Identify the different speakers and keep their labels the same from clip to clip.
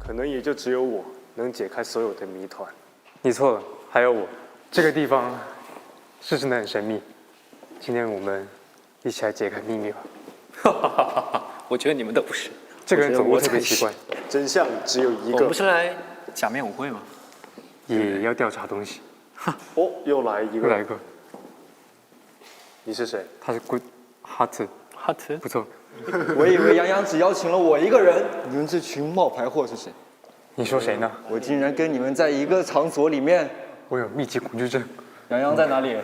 Speaker 1: 可能也就只有我能解开所有的谜团。
Speaker 2: 你错了，还有我。这个地方是真的很神秘，今天我们一起来解开秘密吧。
Speaker 3: 哈哈哈哈！我觉得你们都不是。
Speaker 2: 这个人走路特别奇怪。
Speaker 1: 真相只有一
Speaker 3: 我
Speaker 1: 个。
Speaker 3: 不是来假面舞会吗？
Speaker 2: 也要调查东西。
Speaker 1: 哦，又来一个。
Speaker 2: 又来一个。
Speaker 1: 你是谁？
Speaker 2: 他是 Good Heart。
Speaker 3: Heart。
Speaker 2: 不错。
Speaker 4: 我以为杨洋只邀请了我一个人，你们这群冒牌货是谁？
Speaker 2: 你说谁呢？
Speaker 4: 我竟然跟你们在一个场所里面。
Speaker 2: 我有密集恐惧症。
Speaker 4: 杨洋在哪里？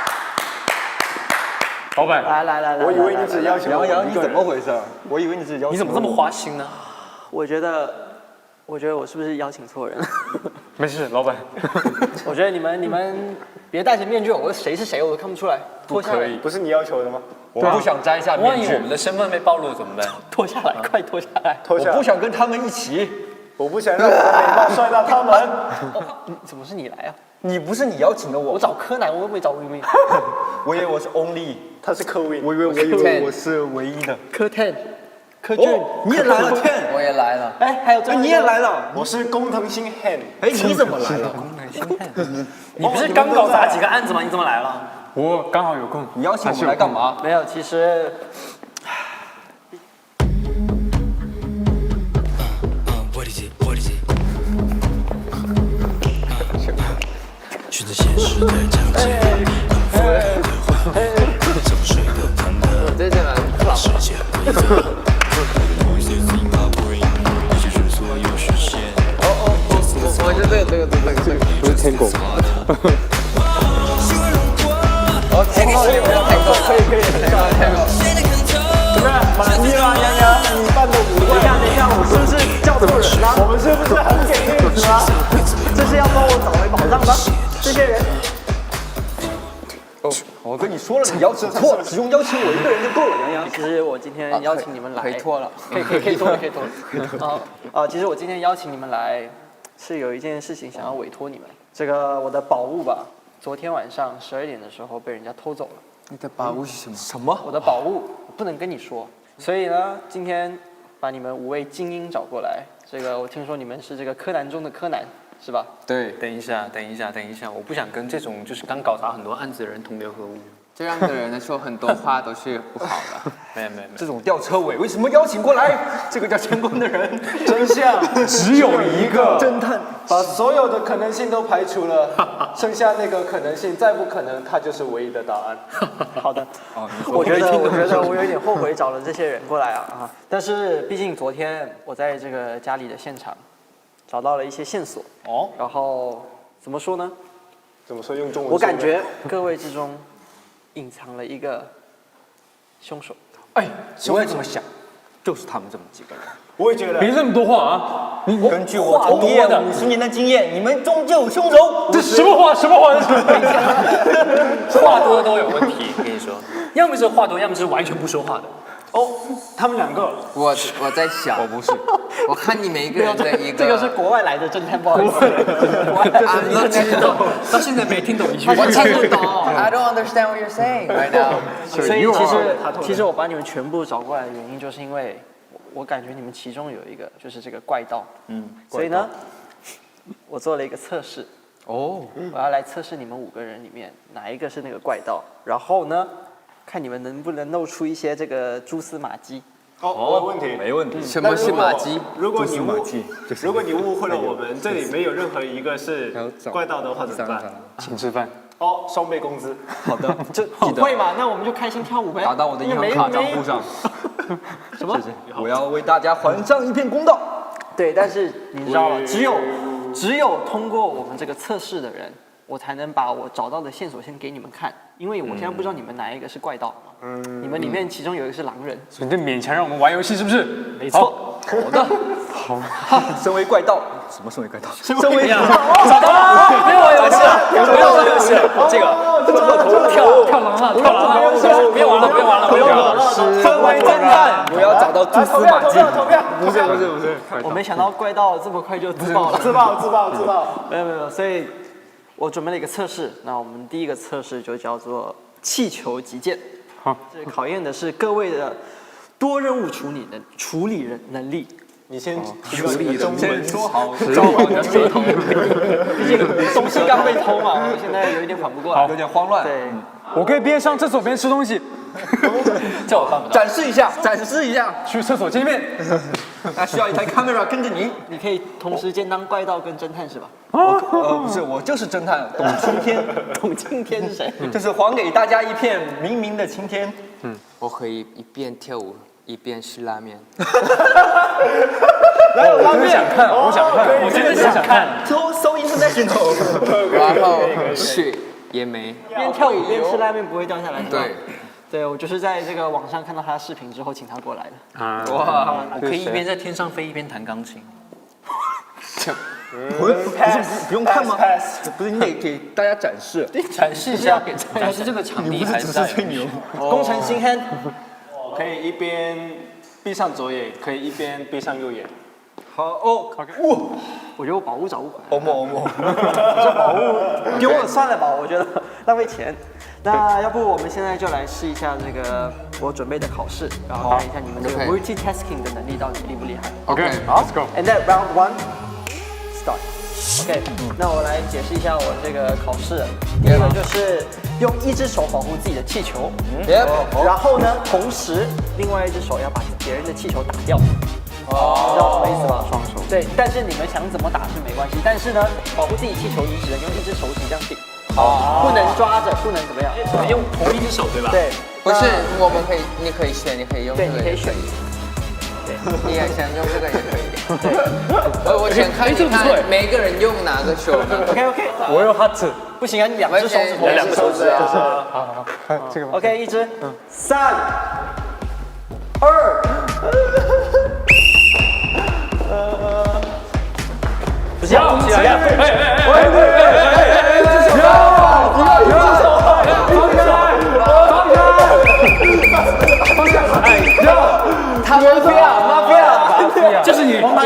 Speaker 2: 老板，
Speaker 5: 来，
Speaker 1: 我以为你只邀请
Speaker 4: 杨洋，你怎么回事？我以为你只邀请。
Speaker 3: 你怎么这么花心呢？
Speaker 5: 我觉得我是不是邀请错人了？
Speaker 2: 没事，老板。
Speaker 5: 我觉得你们别戴着面具，我谁是谁我都看不出来。脱下来，
Speaker 1: 不是你要求的吗？
Speaker 4: 我不想摘下面具。
Speaker 3: 万一我们的身份被暴露怎么办？
Speaker 5: 脱下来，快脱下来！
Speaker 1: 脱下来。
Speaker 4: 我不想跟他们一起。
Speaker 1: 我不想让我的美貌帅到他们。
Speaker 5: 怎么是你来啊？
Speaker 4: 你不是你邀请的我。
Speaker 5: 我找柯南，我又没找魏明。
Speaker 4: 我以为我是 Only。
Speaker 1: 他是柯威。
Speaker 4: 我以为我是唯一的。
Speaker 5: 柯 Ten， 柯俊，
Speaker 4: 你也来了 Ten，
Speaker 6: 我也来了。
Speaker 5: 哎，还有
Speaker 4: 你也来了。
Speaker 1: 我是工藤新 Han。
Speaker 4: 哎，你怎么来了？
Speaker 5: 功能心态。
Speaker 3: 你不是刚搞砸几个案子吗？你怎么来了？
Speaker 2: 我刚好有空。
Speaker 4: 你邀请我们来干嘛？
Speaker 5: 没有，其实。
Speaker 7: 选择现实的场景，怎么睡得坦荡？
Speaker 6: 这真的很老。
Speaker 7: 世界规则，一切是所有实现。
Speaker 6: 我是这个。
Speaker 2: 不是天狗。
Speaker 6: 哦，天狗，可以，天狗。
Speaker 1: 怎么样？满意吗，杨洋？你办的舞会。
Speaker 5: 等一下，我是不是叫错人了？
Speaker 1: 我们是不是很给面子啊？
Speaker 5: 这是要帮我找回宝藏吗？这些人。
Speaker 4: 我跟你说了，你邀请错了，只用邀请我一个人就够了，杨洋。
Speaker 5: 其实我今天邀请你们来，
Speaker 6: 可以脱了，
Speaker 5: 可以脱了。其实我今天邀请你们来，是有一件事情想要委托你们。这个我的宝物吧，昨天晚上12点的时候被人家偷走了。
Speaker 6: 你的宝物是什么？
Speaker 4: 什么？
Speaker 5: 我的宝物不能跟你说，所以呢，今天把你们5位精英找过来。这个我听说你们是这个柯南中的柯南，是吧？
Speaker 6: 对，
Speaker 3: 等一下，我不想跟这种就是刚搞砸很多案子的人同流合污。
Speaker 6: 这样的人呢，说很多话都是不好的。
Speaker 3: 没有，
Speaker 4: 这种吊车尾为什么邀请过来？这个叫成功的人，
Speaker 1: 真相只有一个。
Speaker 4: 侦探
Speaker 1: 把所有的可能性都排除了，剩下那个可能性再不可能，它就是唯一的答案。
Speaker 5: 好的。我觉得我有一点后悔找了这些人过来啊，但是毕竟昨天我在这个家里的现场找到了一些线索哦，然后怎么说呢？
Speaker 1: 怎么说？用中文？
Speaker 5: 我感觉各位之中隐藏了一个凶手。
Speaker 4: 哎，我也这么想，就是他们这么几个人。
Speaker 1: 我也觉得。
Speaker 2: 别这么多话啊！
Speaker 4: 根据我从业50年的经验，你们终究有凶手。
Speaker 2: 这什么话？
Speaker 3: 话多都有问题，跟你说，要么是话多，要么是完全不说话的。
Speaker 1: 哦，他们2个。
Speaker 6: 我在想，我不是，我看你每一个人的一个。
Speaker 5: 这个是国外来的侦探，不好意思。
Speaker 3: 你知道，到现在没听懂一句。
Speaker 6: 我听不懂。I don't understand what you're saying right now。
Speaker 5: 所以其实我把你们全部找过来的原因，就是因为我感觉你们其中有一个就是这个怪盗。所以呢，我做了一个测试。我要来测试你们5个人里面哪一个是那个怪盗，然后呢，看你们能不能露出一些这个蛛丝马迹。
Speaker 1: 我有问题。
Speaker 4: 没问题。
Speaker 6: 什么是马迹？
Speaker 1: 如果你误会了我们，这里没有任何一个是怪盗的话怎么办？
Speaker 2: 请吃饭。
Speaker 1: 哦，双倍工资。
Speaker 4: 好的，
Speaker 5: 这会嘛？那我们就开心跳舞呗。
Speaker 4: 打到我的银行卡账户上。
Speaker 5: 什么？
Speaker 4: 我要为大家还上一片公道。
Speaker 5: 对，但是你知道吗？只有通过我们这个测试的人，我才能把我找到的线索先给你们看，因为我现在不知道你们哪一个是怪盗嘛。你们里面其中有一个是狼人，
Speaker 2: 所以你就勉强让我们玩游戏是不是？
Speaker 5: 没错。
Speaker 4: 好的。好。身为怪盗，什么身为怪盗？身为
Speaker 3: 找到了，没有玩游戏了，没有玩游戏了，这个跳狼了，别玩了。
Speaker 4: 身为侦探，我要找到蛛丝马迹。
Speaker 1: 投票。
Speaker 4: 不是。
Speaker 5: 我没想到怪盗这么快就自爆了。
Speaker 1: 自爆。
Speaker 5: 没有，所以我准备了一个测试。那我们第一个测试就叫做气球击剑。
Speaker 2: 好，
Speaker 5: 这考验的是各位的多任务处理能力。
Speaker 1: 你先处理中文，
Speaker 4: 说好，
Speaker 3: 照好你的舌头。
Speaker 5: 毕竟东西刚被偷嘛，我现在有一点缓不过来，
Speaker 4: 有点慌乱。
Speaker 5: 对，
Speaker 2: 我可以边上厕所边吃东西，
Speaker 3: 叫我办不到。
Speaker 4: 展示一下，展示一下。
Speaker 2: 去厕所见面。
Speaker 4: 那需要一台 camera 跟着您。
Speaker 5: 你可以同时兼当怪盗跟侦探是吧？
Speaker 4: 不是，我就是侦探董青天。
Speaker 5: 董青天是谁？
Speaker 4: 就是还给大家一片明明的青天。
Speaker 6: 我可以一边跳舞一边吃拉面。
Speaker 2: 我真的想看，我想看，
Speaker 3: 我真的想看。
Speaker 4: So international。
Speaker 6: 然后血也没。
Speaker 5: 边跳舞边吃拉面不会掉下来是吧？
Speaker 6: 对，
Speaker 5: 对，我就是在这个网上看到他的视频之后，请他过来的。
Speaker 2: 啊！
Speaker 3: 哇，我可以一边在天上飞一边弹钢琴。
Speaker 4: 不用看吗？不是，你得给大家展示。
Speaker 3: 展示一下，展示这个场地还在。
Speaker 5: 工程新 hand，
Speaker 1: 可以一边闭上左眼，可以一边闭上右眼。
Speaker 4: 好哦，
Speaker 5: 我觉得我宝物找不回来。
Speaker 4: 欧梦欧梦。
Speaker 5: 这宝物丢了算了吧，我觉得浪费钱。那要不我们现在就来试一下这个我准备的考试，然后看一下你们这个 multitasking 的能力到底厉不厉害。
Speaker 2: OK，Let's go。
Speaker 5: And then round one, start. OK，那我来解释一下我这个考试。第一个就是用一只手保护自己的气球，然后呢，同时另外一只手要把别人的气球打掉。知道什么意思吗？双手。对，但是你们想怎么打是没关系，但是呢，保护自己气球，你只能用一只手指这样顶，不能抓着，不能怎么样。
Speaker 3: 用同一只手对吧？
Speaker 5: 对，
Speaker 6: 不是，我们可以，你可以选，你可以用这
Speaker 5: 对，
Speaker 6: 个。
Speaker 5: 你可以选。
Speaker 6: 你也想用这个也可以。我想看一看每个人用哪个手呢？
Speaker 5: OK，
Speaker 2: 我用 hot。
Speaker 5: 不行啊，你两只手指头，
Speaker 6: 两个手指啊。
Speaker 2: 好，看这个吧。
Speaker 5: OK，一只，3、2。不是要起来呀！
Speaker 6: 他mafia，
Speaker 3: 就是你。
Speaker 5: 黄牌！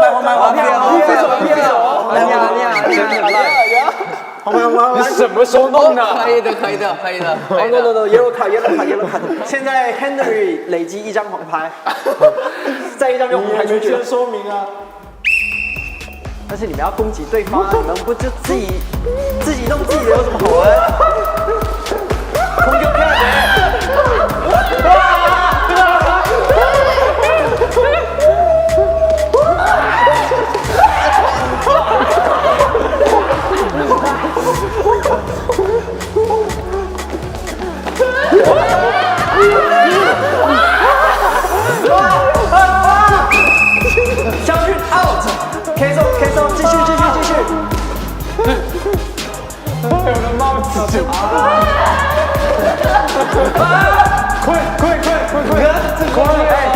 Speaker 2: 你什么时候弄的？
Speaker 6: 可以的。
Speaker 5: No yellow card。现在 Henry 累积1张黄牌，再一张就红牌出去了。
Speaker 1: 说明啊。
Speaker 5: 但是你们要攻击对方啊，你们不就自己弄自己的有什么好玩？空就漂将军 out。K 送，继续。
Speaker 2: 我的帽子！快！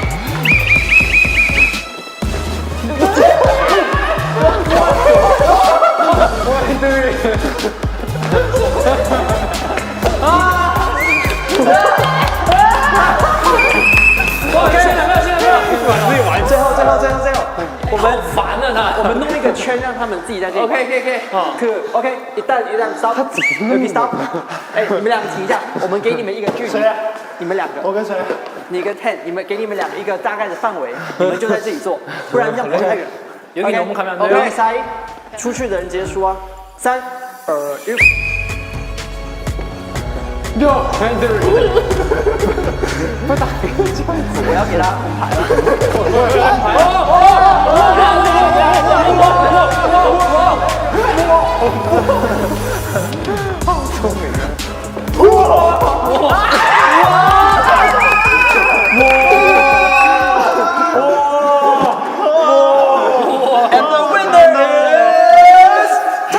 Speaker 5: 最后，我们
Speaker 3: 烦了呢。
Speaker 5: 我们弄一个圈，让他们自己在这里。OK，一旦 stop， stop。哎，你们两个停一下，我们给你们一个距离。谁啊？你们两个。
Speaker 1: 我跟谁？
Speaker 5: 你跟 Ten， 给你们两个一个大概的范围，你们就在这里做，不然这样跑太远。
Speaker 3: 有点我们看不到。
Speaker 5: OK， 塞，出去的人直接输啊。3、2、1。
Speaker 2: Yo Henry，
Speaker 5: 不打这样子，我要给他红牌了。好聪明啊！And the winner is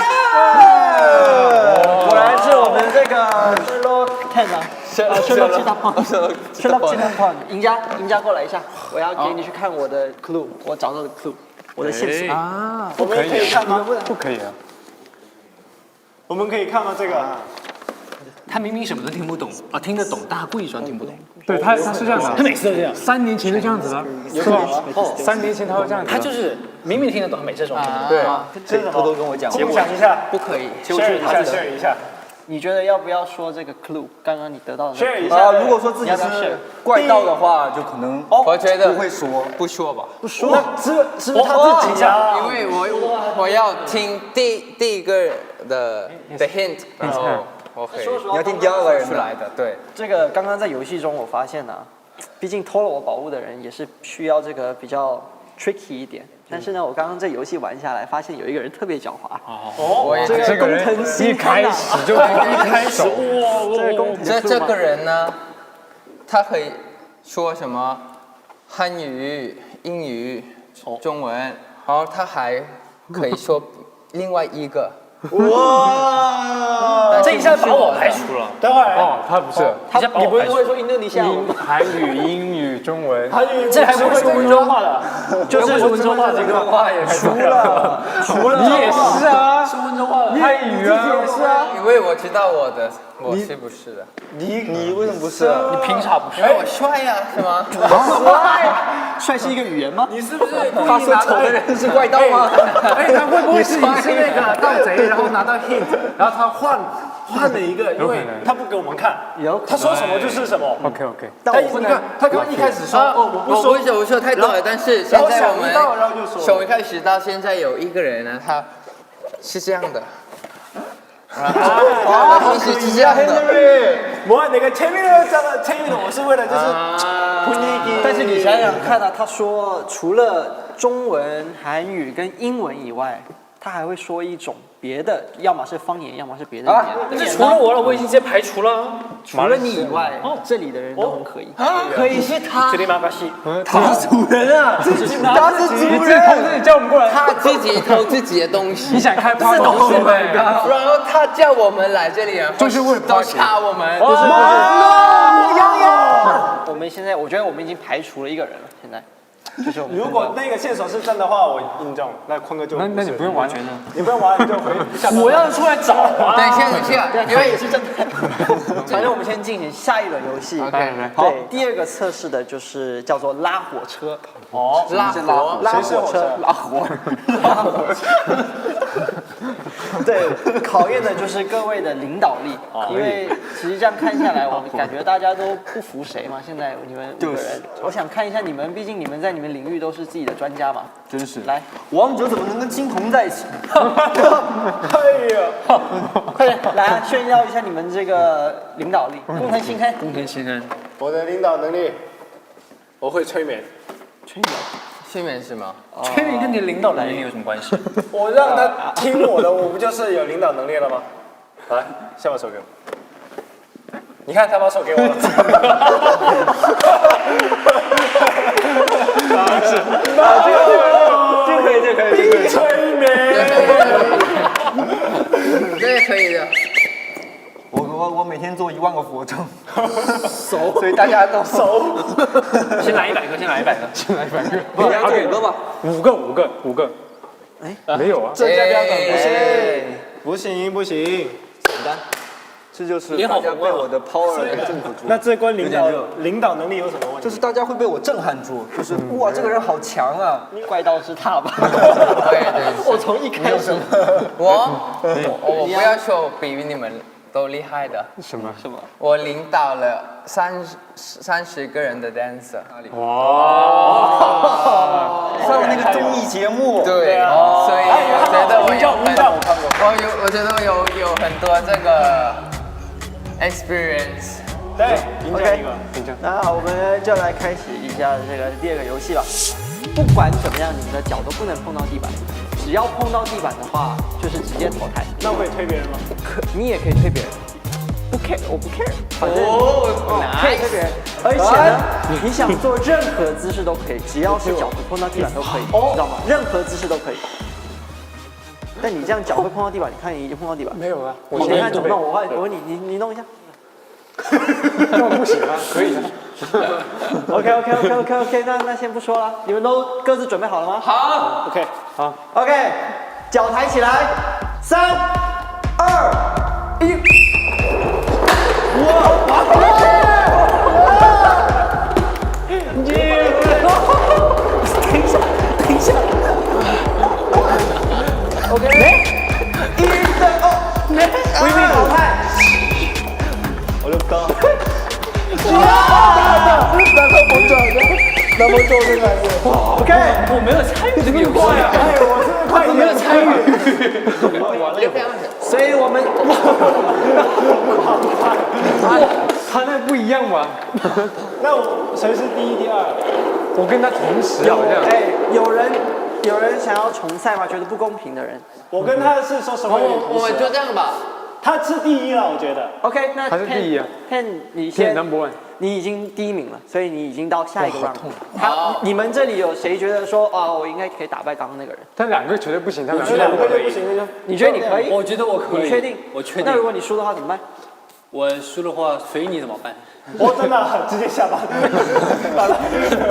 Speaker 5: Ten。果然是我们这个 Sherlock Ten 啊。Sherlock Holmes，赢家过来一下，我要给你去看我的 clue， 我找到的 clue， 我的线索
Speaker 2: 啊，
Speaker 1: 我们可以看吗？
Speaker 2: 不可以啊。
Speaker 1: 我们可以看吗？这个？
Speaker 3: 他明明什么都听不懂啊，听得懂，但他故意装听不懂。
Speaker 2: 对他是这样的，
Speaker 3: 他每次都这样。
Speaker 2: 3年前就这样子了，是吧？3年前他会这样子。
Speaker 3: 他就是明明听得懂，他每次装听不懂。
Speaker 2: 对，
Speaker 4: 这偷偷跟我讲，
Speaker 1: 想一下，
Speaker 6: 不可以。
Speaker 1: share 一下。
Speaker 5: 你觉得要不要说这个 clue？刚刚你得到的那个
Speaker 1: share 一
Speaker 5: clue
Speaker 1: 下。
Speaker 4: 如果说自己
Speaker 5: 你要不要
Speaker 4: 是
Speaker 5: share？
Speaker 4: 怪盗的话，就可能
Speaker 6: 我觉得
Speaker 4: 不会说。
Speaker 6: 不说吧，
Speaker 5: 不说，
Speaker 1: 是不是他自己呀？
Speaker 6: 因为我要听第一个的 hint， 然后我可以
Speaker 4: 你要听第二个人
Speaker 6: 出来的，对。
Speaker 5: 这个刚刚在游戏中我发现呢、毕竟偷了我宝物的人也是需要这个比较 tricky 一点。但是呢，我刚刚这游戏玩下来，发现有一个人特别狡猾。
Speaker 6: 我也
Speaker 5: 这个工藤新开始就
Speaker 2: 开始
Speaker 5: 这个工藤
Speaker 6: 这个人呢，他可以说什么汉语、英语、中文，然后他还可以说另外一个。
Speaker 1: 哇！
Speaker 3: 这一下把我排除了。
Speaker 1: 等会儿，
Speaker 2: 哦，他不是
Speaker 1: 你不是会说印度尼西亚文吗？
Speaker 2: 韩语、英语、中文，
Speaker 1: 韩语
Speaker 3: 这还不会说温州话的，
Speaker 1: 就是
Speaker 3: 温州话这个
Speaker 1: 话也除了
Speaker 2: 你也是啊，
Speaker 3: 说温州话的。
Speaker 2: 泰语啊，
Speaker 1: 是啊，
Speaker 6: 因为我知道我是不是的？
Speaker 4: 你为什么不是？
Speaker 3: 你凭啥不
Speaker 6: 因为我帅呀，是吗？
Speaker 5: 帅是一个语言吗？
Speaker 3: 你是不是
Speaker 4: 他说丑的人是怪盗吗？
Speaker 1: 哎，他会不会是你是那个盗贼，然后拿到 hint，然后他换了一个，因为他不给我们看，他说什么就是什么。
Speaker 2: OK OK，
Speaker 1: 但你看，他刚刚一开始说哦，我不说，
Speaker 6: 我说太多了，但是现在我们
Speaker 1: 然后就说
Speaker 6: 从一开始到现在有一个人呢，他是这样的，然后一直是这样的。
Speaker 1: 我那个前面的这个前面的，我是为了就是
Speaker 5: 但是你想想看啊，他说除了中文、韩语跟英文以外，他还会说一种别的，要么是方言，要么是别的语言。
Speaker 3: 这除了我了，我已经直接排除了。
Speaker 5: 除了你以外，这里的人都很可以。可以是他
Speaker 3: 这，里马卡西，
Speaker 4: 他是主人啊，他是主人。
Speaker 2: 同志叫我们过来，
Speaker 6: 他自己偷自己的东西，
Speaker 2: 你想开 party 是吗？
Speaker 6: 然后他叫我们来这里，
Speaker 2: 就是为了
Speaker 6: 都
Speaker 2: party
Speaker 6: 插我们。
Speaker 5: 我们现在我觉得我们已经排除了一个人了。现在就是我们
Speaker 1: 如果那个线索是真的话，我印证，那坤哥就
Speaker 2: 那你不用完全
Speaker 1: 你不用玩，你就回下班。
Speaker 3: 我要出来找啊！
Speaker 6: 等一下，因为
Speaker 5: 也是正太。反正我们先进行下一轮游戏。
Speaker 6: OK，
Speaker 5: 对，第二个测试的就是叫做拉火车。
Speaker 1: 哦，
Speaker 6: 拉火，
Speaker 5: 拉火车，拉火车。对，考验的就是各位的领导力，因为其实这样看下来，我感觉大家都不服谁嘛。现在你们5个人，我想看一下你们，毕竟你们在你们领域都是自己的专家嘛。
Speaker 4: 真是，
Speaker 5: 来，
Speaker 4: 王者怎么能跟金童在一起？
Speaker 1: 哎呀，
Speaker 5: 快点来炫耀一下你们这个领导力，工藤新开。
Speaker 3: 工藤新恩，
Speaker 1: 我的领导能力，我会催眠，
Speaker 6: 催眠是吗？
Speaker 3: 催眠跟你的领导能力有什么关系？
Speaker 1: 我让他听我的，我不就是有领导能力了吗？来，先把手给我。你看他把手给我了。
Speaker 5: 这可以。
Speaker 1: 催眠。
Speaker 6: 这也可以的。
Speaker 4: 我每天做1万个俯卧撑，所以大家都
Speaker 3: 先来100个，先来100个。
Speaker 4: 你要做5个吧。
Speaker 2: 5个，哎，没有啊，
Speaker 1: 这家标准不行，不行。
Speaker 4: 这就是大家被我的 power 征服住。
Speaker 1: 那这关领导能力有什么问题？
Speaker 4: 就是大家会被我震撼住，就是哇，这个人好强啊！
Speaker 5: 怪盗是他吧？
Speaker 6: 对，
Speaker 5: 我从一开始，
Speaker 6: 我不要求比你们都厉害的。
Speaker 2: 什么？
Speaker 6: 我领导了30个人的 dancer。
Speaker 4: 上那个综艺节目，
Speaker 6: 对，所以我觉得我觉得有很多这个 experience。
Speaker 1: 对，赢家一个。
Speaker 5: 那我们就来开始一下这个第二个游戏吧。不管怎么样，你们的脚都不能碰到地板，只要碰到地板的话，就是直接淘汰。
Speaker 1: 那我可以推别人吗？
Speaker 5: 你也可以推别人，不 care，我不 care，反正可以推别人。而且呢，你想做任何姿势都可以，只要是脚不碰到地板都可以，知道吗？任何姿势都可以。但你这样脚会碰到地板，你看你已经碰到地板。
Speaker 2: 没有啊，
Speaker 5: 你看怎么弄？我问你，你弄一下。
Speaker 2: 那不行啊，可以的。
Speaker 5: OK，那先不说了，你们都各自准备好了吗？
Speaker 6: 好
Speaker 1: OK，好。
Speaker 5: OK，脚抬起来，3、2、1。等一下。OK，1的哦，微微淘汰。
Speaker 1: 那么够这个还是？OK，
Speaker 3: 我没有参与这个游戏啊，
Speaker 1: 哎，我是不是快
Speaker 3: 我没有参与。
Speaker 5: 所以我们
Speaker 2: 他那不一样吧？
Speaker 1: 那我谁是第一、第二？
Speaker 2: 我跟他同时好像。
Speaker 5: 有人想要重赛吗？觉得不公平的人。
Speaker 1: 我跟他是说实话有点同
Speaker 6: 我们
Speaker 1: 时啊。
Speaker 6: 就这样吧。
Speaker 1: 他是第一了，我觉得。
Speaker 5: OK，那
Speaker 2: 他是第一啊
Speaker 5: Ken，你
Speaker 2: 现
Speaker 5: 先
Speaker 2: number one。
Speaker 5: 你已经第一名了，所以你已经到下一个 round。你们这里有谁觉得说啊，我应该可以打败刚刚那个人？
Speaker 2: 他两个绝对不行，他们
Speaker 1: 这两个就不行，那就
Speaker 5: 你觉得你可以？
Speaker 3: 我觉得我可以。
Speaker 5: 你确定？
Speaker 3: 我确定。
Speaker 5: 那如果你输的话怎么办？
Speaker 3: 我输的话，随你怎么办？
Speaker 1: 我真的直接下班。好了，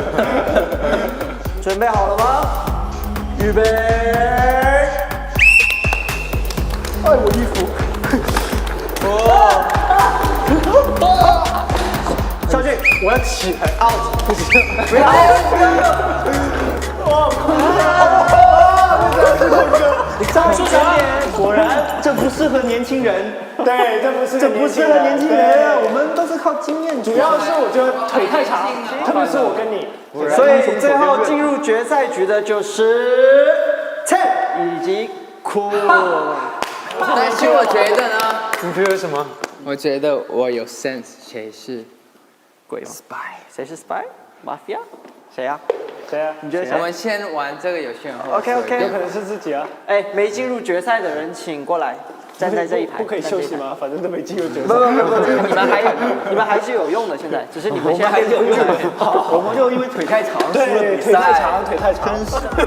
Speaker 5: 准备好了吗？预备！哎，我衣服。上去，
Speaker 2: 我要起来
Speaker 5: out， 不行，不要，招数小点，
Speaker 4: 果然这不适合年轻人，
Speaker 1: 对，这不适合
Speaker 4: 年轻人啊，我们都是靠经验。
Speaker 1: 主要是我觉得腿太长，特别是我跟你。
Speaker 5: 所以最后进入决赛局的就是Ted以及酷。
Speaker 6: 但是我觉得呢，
Speaker 2: 你觉得什么？
Speaker 6: 我觉得我有 sense， 谁是
Speaker 5: 鬼吗 ？Spy， 谁是 Spy？Mafia？ 谁呀？
Speaker 1: 谁啊？
Speaker 5: 你觉得谁
Speaker 6: 我们先玩这个游戏，然后
Speaker 5: ？OK，
Speaker 1: 有可能是自己啊。
Speaker 5: 哎，没进入决赛的人请过来，站在这一排。
Speaker 1: 不可以休息吗？反正都没进入决赛。
Speaker 5: 不，你们还是有用的，现在只是你们现在还是有用的。
Speaker 4: 我们就因为腿太长输了
Speaker 1: 对，
Speaker 4: 比
Speaker 1: 腿太
Speaker 4: 赛。
Speaker 1: 长，腿太长。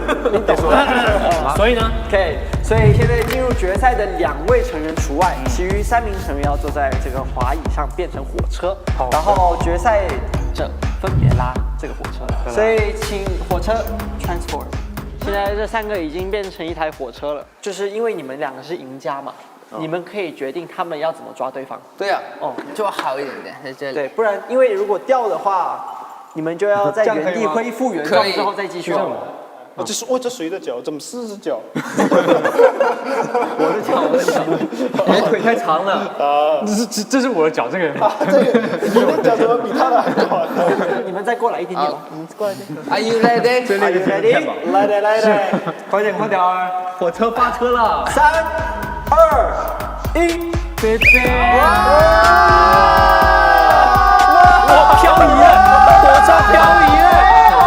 Speaker 3: 所以呢？
Speaker 5: OK， 所以现在进入决赛的2位成员除外，其余3名成员要坐在这个滑椅上变成火车，然后决赛者分别拉这个火车。所以请火车 transform。现在这3个已经变成一台火车了，就是因为你们2个是赢家嘛，你们可以决定他们要怎么抓对方。
Speaker 6: 对啊，
Speaker 5: 哦，
Speaker 6: 就好一点点在这里。
Speaker 5: 对，不然因为如果掉的话，你们就要在原地恢复原状之后再继续。
Speaker 1: 这谁的脚？怎么4只脚？
Speaker 4: 我的脚，你腿太长了。
Speaker 2: 这是我的脚，这个人。
Speaker 1: 你的脚怎么比他的还短？
Speaker 5: 你们再过来一点点吧，你们过来一点。
Speaker 6: Are you ready？
Speaker 5: Are you ready？
Speaker 1: 来的来的，
Speaker 4: 快点，火车发车了。
Speaker 5: 3、2、1，
Speaker 2: 贝贝。
Speaker 3: 哇，漂移了，火车漂移了。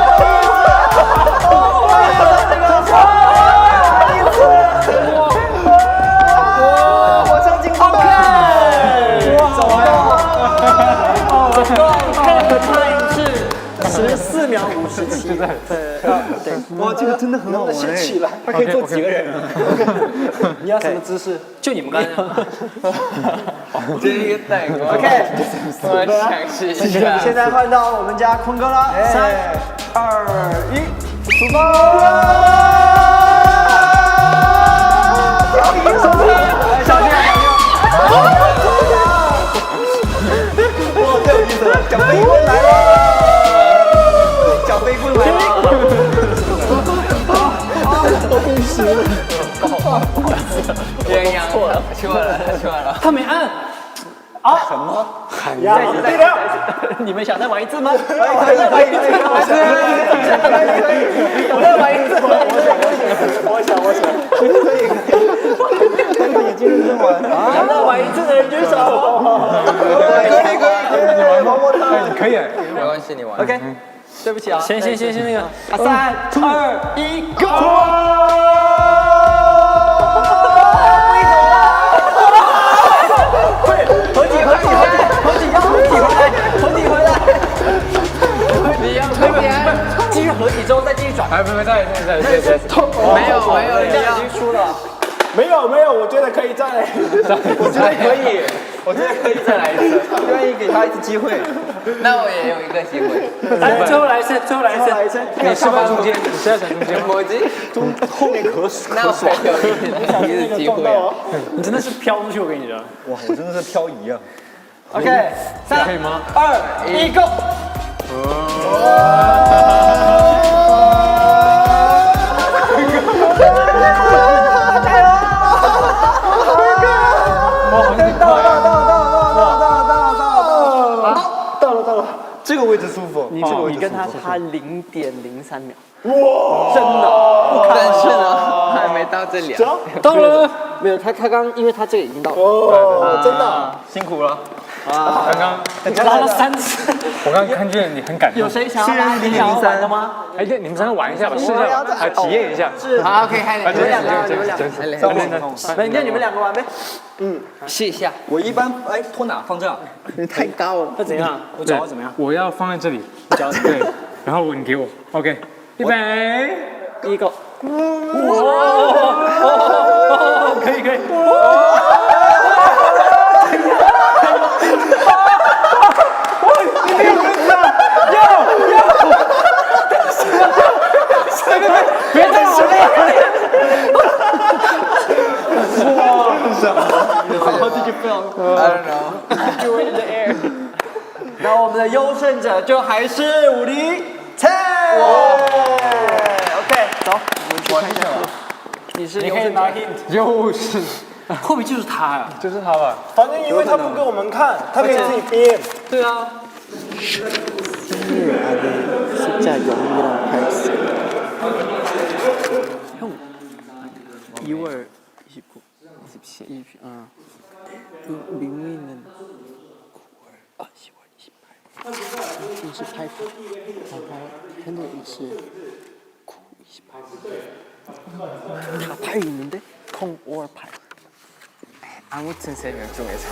Speaker 5: 火车进攻！走了。总共看的 time 是14秒57。对，
Speaker 4: 哇，这个真的很好玩
Speaker 1: 先起来。
Speaker 4: 它可以坐几个人啊？
Speaker 1: 你要什么姿势？
Speaker 3: 就你们刚才。
Speaker 6: 这一个带过。
Speaker 5: OK，
Speaker 6: 我想试一下。
Speaker 5: 现在换到我们家坤哥了。3、2、1，出发！小心！
Speaker 4: 哇，太有意思了！小飞棍来了！小飞棍来了！
Speaker 6: 鸳鸯出来了。
Speaker 3: 他没按。
Speaker 1: 呀，对了，
Speaker 5: 你们想再玩一次吗？
Speaker 4: 可以，
Speaker 5: 再玩一次。
Speaker 1: 我想，
Speaker 4: 眼睛认真玩。
Speaker 5: 想再玩一次的人举手。
Speaker 2: 可以。
Speaker 6: 没关系，你玩。
Speaker 5: OK，对不起啊。
Speaker 3: 先那个。
Speaker 5: 3、2、1，Go！继续合体之后再继续转。
Speaker 2: 哎，不，再。
Speaker 6: 没有，
Speaker 5: 这样已经输了。
Speaker 1: 没有，我觉得可以再，
Speaker 4: 我觉得可以，再来一次，愿意给他一次机会。
Speaker 6: 那我也有一个机会。
Speaker 3: 哎，最后来一次。
Speaker 2: 你是不是中间？你是要选中间吗？
Speaker 6: 我机
Speaker 4: 后面可爽。
Speaker 6: 那我有一个机会啊。
Speaker 3: 你真的是飘出去，我跟你讲。
Speaker 4: 哇，我真的是漂移啊！
Speaker 5: OK， 3、
Speaker 2: 可以吗
Speaker 5: 2、1，Go！
Speaker 4: 这个位置舒服，
Speaker 5: 你跟他差0.03秒。哇！真的，
Speaker 6: 但是呢，还没到这里啊。
Speaker 3: 到了，
Speaker 5: 没有他刚，因为他这个已经到了。
Speaker 1: 哦，真的，
Speaker 4: 辛苦了。
Speaker 2: 刚刚
Speaker 3: 拉了3次。
Speaker 2: 我刚刚看见你很感动。
Speaker 5: 有谁想要来003的吗？
Speaker 2: 哎，你们三个玩一下吧，试一下吧，来体验一下。
Speaker 6: 好，OK，开始。
Speaker 5: 你们两个，你们两个玩呗。
Speaker 6: 试一下。
Speaker 4: 我一般
Speaker 3: 哎，拖哪？放这儿。
Speaker 6: 你太高了。
Speaker 3: 那怎样？我脚怎么样？
Speaker 2: 我要放在这里，对，然后你给我 ，OK， 预备，
Speaker 5: 第一个。
Speaker 3: 可以可以。别再说了。
Speaker 5: How did you feel?
Speaker 6: I don't know.
Speaker 5: You were in the air. 那我们的优胜者就还是50菜。OK， 走，我们去看一下。你是优胜者。
Speaker 2: 又是，
Speaker 3: 会不会就是他呀？
Speaker 2: 就是他吧？
Speaker 1: 反正因为他不给我们看，他可以自己编。
Speaker 3: 对啊。
Speaker 5: 진짜 영웅이랑 발사. 형, 2월 29, 27, 민민은 9월, 10월 28, 28분, 현우이是 9, 28. 다 8이 있는데 0, 5월 8.
Speaker 6: 아무튼 3명 중에서.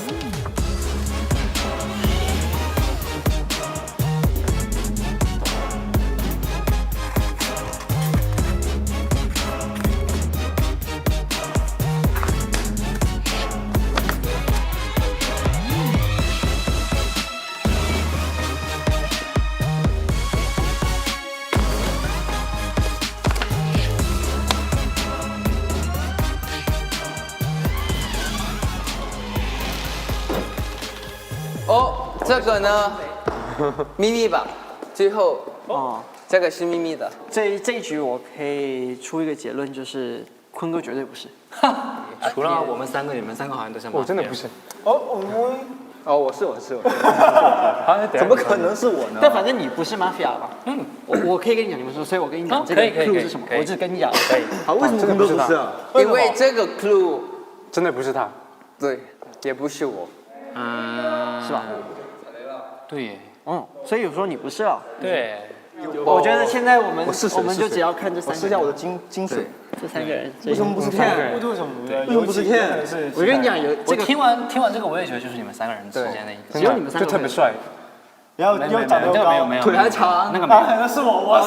Speaker 6: 哦，这个呢，秘密吧，最后
Speaker 5: 哦，
Speaker 6: 这个是秘密的。
Speaker 5: 这一局我可以出一个结论，就是坤哥绝对不是。
Speaker 3: 除了我们3个，你们3个好像都像。
Speaker 2: 我真的不是。
Speaker 4: 哦，我是。
Speaker 2: 怎
Speaker 4: 么可能是我呢？
Speaker 5: 但反正你不是 mafia 吧？我可以跟你讲，你们说，所以我跟你讲这个 clue 是什么，我只跟你讲。可以。
Speaker 4: 好，为什么坤哥不是啊？
Speaker 6: 因为这个 clue
Speaker 2: 真的不是他。
Speaker 6: 对，也不是我。
Speaker 5: 是吧？
Speaker 3: 对耶。
Speaker 5: 所以有时候你不是啊。
Speaker 3: 对。
Speaker 5: 我觉得现在我们就只要看这3个人。
Speaker 4: 试一下我的金水。
Speaker 5: 这3个人。
Speaker 4: 为什么不是骗？
Speaker 1: 为什么
Speaker 4: 不是骗？
Speaker 5: 我跟你讲，
Speaker 3: 我听完这个，我也觉得就是你们3个人之间的一个。
Speaker 5: 只有你们3个
Speaker 2: 就特别帅。
Speaker 1: 然后又长得高，
Speaker 3: 没有，
Speaker 5: 腿还长，
Speaker 3: 那个没有。
Speaker 1: 那是我，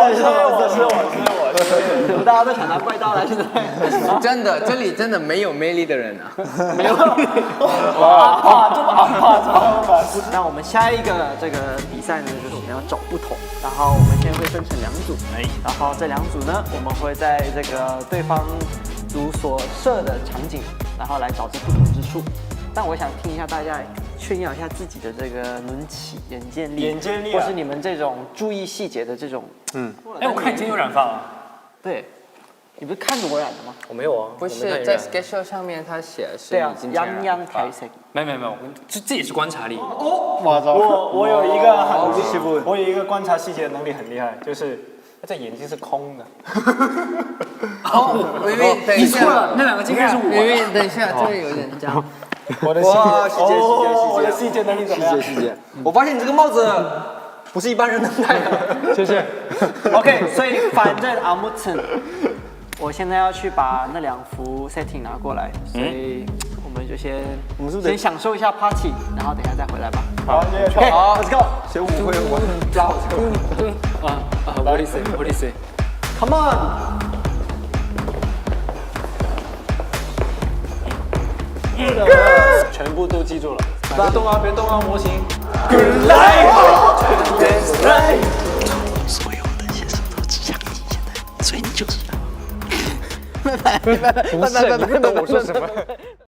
Speaker 5: 大家都想拿怪刀来，现在。
Speaker 6: 真的，这里真的没有魅力的人啊。
Speaker 5: 没有。阿怕，这么阿怕。那我们下一个这个比赛呢，就是我们要找不同，然后我们现在会分成2组，然后这2组呢，我们会在这个对方组所设的场景，然后来找这不同之处。但我想听一下大家炫耀一下自己的这个轮起眼见力，或是你们这种注意细节的这种。
Speaker 3: 哎，我看你今天有染发啊。
Speaker 5: 对，你不是看着我染的吗？
Speaker 3: 我没有啊。
Speaker 6: 不是在 schedule 上面他写的是
Speaker 5: 对啊
Speaker 6: 已经染
Speaker 5: 泱台色。
Speaker 3: 没有，这也是观察力。
Speaker 1: 我有一个我有一个观察细节能力很厉害，就是这眼睛是空的。
Speaker 6: 微微，等一下，
Speaker 3: 你错了，那2个镜片是我。
Speaker 6: 微微，等一下，这里有点这样。
Speaker 1: 我的细节能力怎么样？
Speaker 4: 细节。我发现你这个帽子不是一般人能戴的。
Speaker 2: 谢谢。
Speaker 5: OK， 所以反正阿木森，我现在要去把那2幅 setting 拿过来，所以我们就先享受一下 party， 然后等一下再回来吧。
Speaker 1: 好
Speaker 5: ，OK，Let's go。
Speaker 4: 学舞会我很老。
Speaker 3: What do you say?
Speaker 5: Come on。
Speaker 1: 全部都记住了。
Speaker 3: 别动啊，模型。
Speaker 7: 所有的线索都指向你，现在，所以你就知道。
Speaker 2: 不是，你不懂我说什么。